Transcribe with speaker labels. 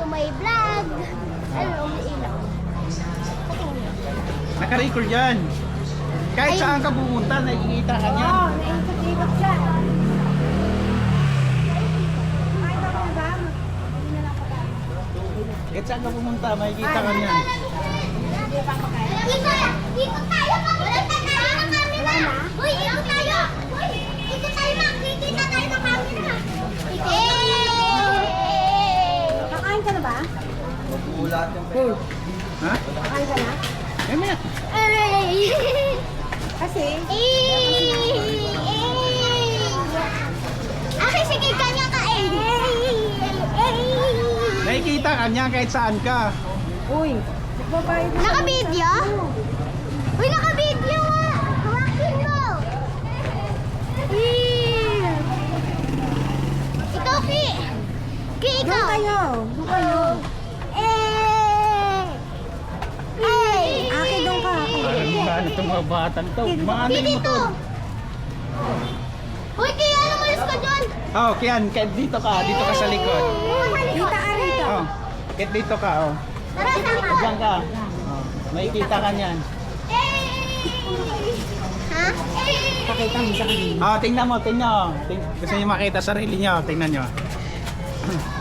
Speaker 1: may vlog. Ano, umiilaw.
Speaker 2: Naka-record yan. Kahit
Speaker 1: Ay.
Speaker 2: saan ka pumunta, nakikita ka niyan.
Speaker 3: Oo, naikot-ikot siya. Kahit ako na ba? Hindi na lang pagkain.
Speaker 2: Kahit saan ka pumunta, makikita ka niyan.
Speaker 3: Hindi pa pagkain.
Speaker 1: Ikot tayo, makikita tayo ng camera. Uy, ikot tayo. Uy, ikot tayo, makikita tayo ng camera.
Speaker 3: Kakain ka na ba?
Speaker 2: Ha?
Speaker 3: Kakain ka na?
Speaker 2: Eh, maya.
Speaker 3: Kasi,
Speaker 1: Aki, sige, kanya ka eh.
Speaker 2: Nakikita ka niya kahit saan ka.
Speaker 3: uy, nagbabayad na.
Speaker 1: Naka-video? Uy, naka-video nga. Hawakin mo. Ikaw, Ki. Ki,
Speaker 3: Doon
Speaker 1: ikaw.
Speaker 3: kayo, doon kayo. Akin doon ka.
Speaker 2: Parang itong mga batang to. Mga
Speaker 1: Ki,
Speaker 2: ano mo
Speaker 1: dito.
Speaker 2: to?
Speaker 1: Uy, Ki, ano malis ka dyan?
Speaker 2: Oh, Kian, kahit dito ka sa likod.
Speaker 3: Kita ka rito.
Speaker 2: Oh, kahit dito ka, oh.
Speaker 1: Tara, sama.
Speaker 2: Diyan ka. Oh, makikita ka niyan.
Speaker 1: Ha?
Speaker 3: Pakita mo sa kanila.
Speaker 2: Oh, tingnan mo, tingnan. Gusto niyo makita sarili niyo, tingnan niyo.